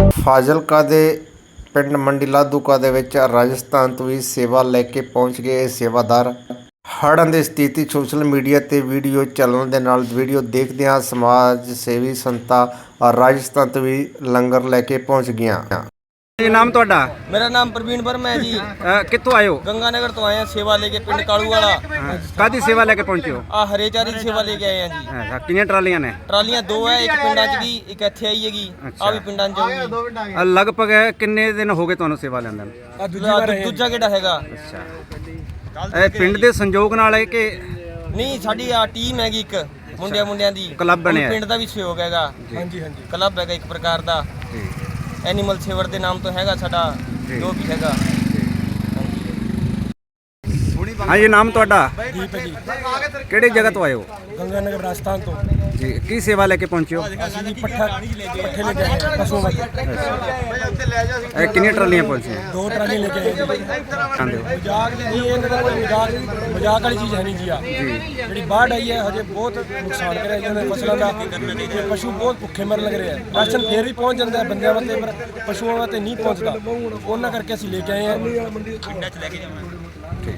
ਫਾਜ਼ਿਲਕਾ ਦੇ ਪਿੰਡ ਮੰਡੀ ਲਾਧੂਕਾ ਦੇ ਵਿੱਚ ਰਾਜਸਥਾਨ ਤੋਂ ਵੀ ਸੇਵਾ ਲੈ ਕੇ ਪਹੁੰਚ ਗਏ ਇਹ ਸੇਵਾਦਾਰ। ਹੜ੍ਹਾਂ ਦੀ ਸਥਿਤੀ ਸੋਸ਼ਲ ਮੀਡੀਆ ਤੇ ਵੀਡੀਓ ਚੱਲਣ ਦੇ ਨਾਲ ਵੀਡੀਓ ਦੇਖਦਿਆਂ ਸਮਾਜ ਸੇਵੀ ਸੰਸਥਾ ਰਾਜਸਥਾਨ ਤੋਂ ਵੀ ਲੰਗਰ ਲੈ ਕੇ ਪਹੁੰਚ ਗਈਆਂ। जी नाम ਤੁਹਾਡਾ? मेरा नाम प्रवीण वर्मा है जी। ਕਿੱਥੋਂ ਆਏ ਹੋ? गंगानगर तो आए हैं सेवा लेके पिंड कालू वाला। ਕਾਦੀ ਸੇਵਾ ਲੈ ਕੇ ਪਹੁੰਚੇ ਹੋ? आ हरे चारे की सेवा लेके आए हैं जी। ਅੱਛਾ, ਕਿੰਨੀਆਂ ਟਰਾਲੀਆਂ ਨੇ? ट्रालियां दो है, एक पिंडां च गी एक ਇੱਥੇ ਆਈ ਹੈਗੀ। ਆ ਵੀ ਪਿੰਡਾਂ ਚ ਜਾਊਗੀ। ਲਗਭਗ ਕਿੰਨੇ ਦਿਨ ਹੋ ਗਏ ਤੁਹਾਨੂੰ ਸੇਵਾ ਲੈਂਦੇ ਨੂੰ? ਦੂਜਾ ਕਿਹੜਾ ਹੈਗਾ? ਅੱਛਾ, ਇਹ ਪਿੰਡ ਦੇ ਸੰਯੋਗ ਨਾਲ ਹੈ ਕਿ ਨਹੀਂ, ਸਾਡੀ ਆ ਟੀਮ ਹੈਗੀ ਇੱਕ ਮੁੰਡਿਆਂ ਦੀ ਕਲੱਬ ਬਣਿਆ ਹੈ। ਪਿੰਡ ਦਾ ਵੀ ਸਹਿਯੋਗ ਹੈਗਾ। ਹਾਂਜੀ ਕਲੱਬ ਹੈਗਾ ਇੱਕ ਪ੍ਰਕਾਰ ਦਾ। ਐਨੀਮਲ ਸੇਵਰ ਦੇ ਨਾਮ ਤੋਂ ਹੈਗਾ ਸਾਡਾ ਜੋ ਵੀ ਹੈਗਾ। ਹਾਂ ਜੀ, ਨਾਮ ਤੁਹਾਡਾ? ਦੀਪ ਜੀ, ਕਿਹੜੀ ਜਗ੍ਹਾ ਤੋਂ ਆਏ ਹੋ? ਗੰਗਾਨਗਰ ਰਾਜਸਥਾਨ ਤੋਂ। ਜੀ, ਕੀ ਸੇਵਾ ਲੈ ਕੇ ਪਹੁੰਚੇ ਹੋ? ਅਸੀਂ ਜੀ ਪੱਠੇ ਲੈ ਕੇ ਆਏ ਹਾਂ ਪਸ਼ੂਆਂ ਵਾਸਤੇ। ਇਹ ਕਿੰਨੀਆਂ ਟਰਾਲੀਆਂ ਪਹੁੰਚੀਆਂ? 2 ਟਰਾਲੀ ਲੈ ਕੇ ਆਏ ਜੀ। ਖਾਂਦੇ ਹੋ? ਮਜ਼ਾਕ ਨਹੀਂ, ਇਹਨਾਂ ਦਾ ਕੋਈ ਮਜ਼ਾਕ ਵਾਲੀ ਚੀਜ਼ ਹੈ ਨਹੀਂ ਜੀ। ਆ ਜਿਹੜੀ ਬਾੜ ਆਈ ਹੈ ਹਜੇ ਬਹੁਤ ਨੁਕਸਾਨ ਕਰਿਆ ਇਹਨਾਂ ਨੇ ਫਸਲਾਂ ਦਾ। ਤੇ ਪਸ਼ੂ ਬਹੁਤ ਭੁੱਖੇ ਮਰਨ ਲੱਗ ਰਹੇ ਆ। ਰਾਸ਼ਨ ਫੇਰ ਵੀ ਪਹੁੰਚ ਜਾਂਦਾ ਬੰਦਿਆਂ ਵਾਸਤੇ, ਪਰ ਪਸ਼ੂਆਂ ਵਾਸਤੇ ਨਹੀਂ ਪਹੁੰਚਦਾ। ਉਹਨਾਂ ਕਰਕੇ ਅਸੀਂ ਲੈ ਕੇ ਆਏ ਹਾਂ। ਪਿੰਡਾਂ 'ਚ ਲੈ ਕੇ ਜਾਵਾਂਗੇ।